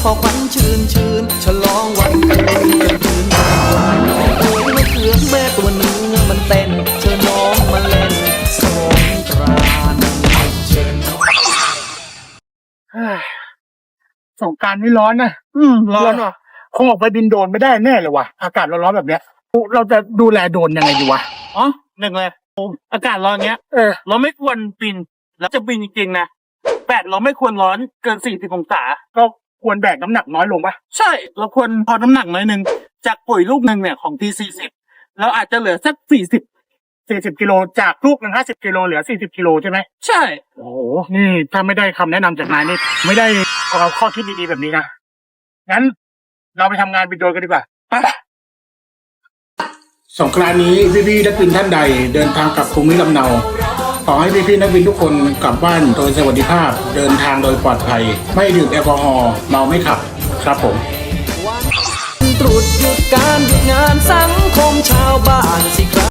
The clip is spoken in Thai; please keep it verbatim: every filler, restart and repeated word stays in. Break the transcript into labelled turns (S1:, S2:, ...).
S1: อควันชื่นชื่นฉลองวันเกิดกันคืนวันโอ้ยมะเขือแม่ตัวเนื้อมันเต้นเชิญน้องมาเล่นสงกรานต์เชิญ
S2: สงกรานต์นี่ร้อนนะ
S3: อืมร้อนว่ะ
S2: คงออกไปบินโดรนไม่ได้แน่เลยว่ะอากาศร้อนๆแบบเนี้ยเราจะดูแลโดรนยังไงดีวะ
S3: อ๋อหนึ่งเลยอากาศร้อนเงี้ย
S2: เออ
S3: เราไม่ควรบินแล้วจะบินจริงๆนะแปดเราไม่ควรร้อนเกินสี่สิบองศา
S2: ก็ควรแบกน้ำหนักน้อยลงปะ
S3: ใช่ เราควรพอน้ำหนักน้อยหนึ่งจากปุ๋ยลูกหนึ่งเนี่ยของทีสี่สิบเราอาจจะเหลือสักสี่สิบ
S2: สี่สิบกิโลจากลูกหนึ่งห้าสิบกิโลเหลือสี่สิบกิโลใช่ไหม
S3: ใช่
S2: โอ้โหนี่ถ้าไม่ได้คำแนะนำจากนายนี่ไม่ได้เอาข้อคิดดีๆแบบนี้นะงั้นเราไปทำงานบินโดรนกันดีกว่าไปสงกรานต์นี้พี่ๆนักบินท่านใดเดินทางกลับภูมิลำเนาขอให้พี่ๆนักบินทุกคนกลับบ้านโดยสวัสดิภาพเดินทางโดยปลอดภัยไม่ดื่มแอลกอฮอล์เมาไม่ขับครับผม
S1: วันตรุษหยุดการหยุดงานสังคมชาวบ้านสิครับ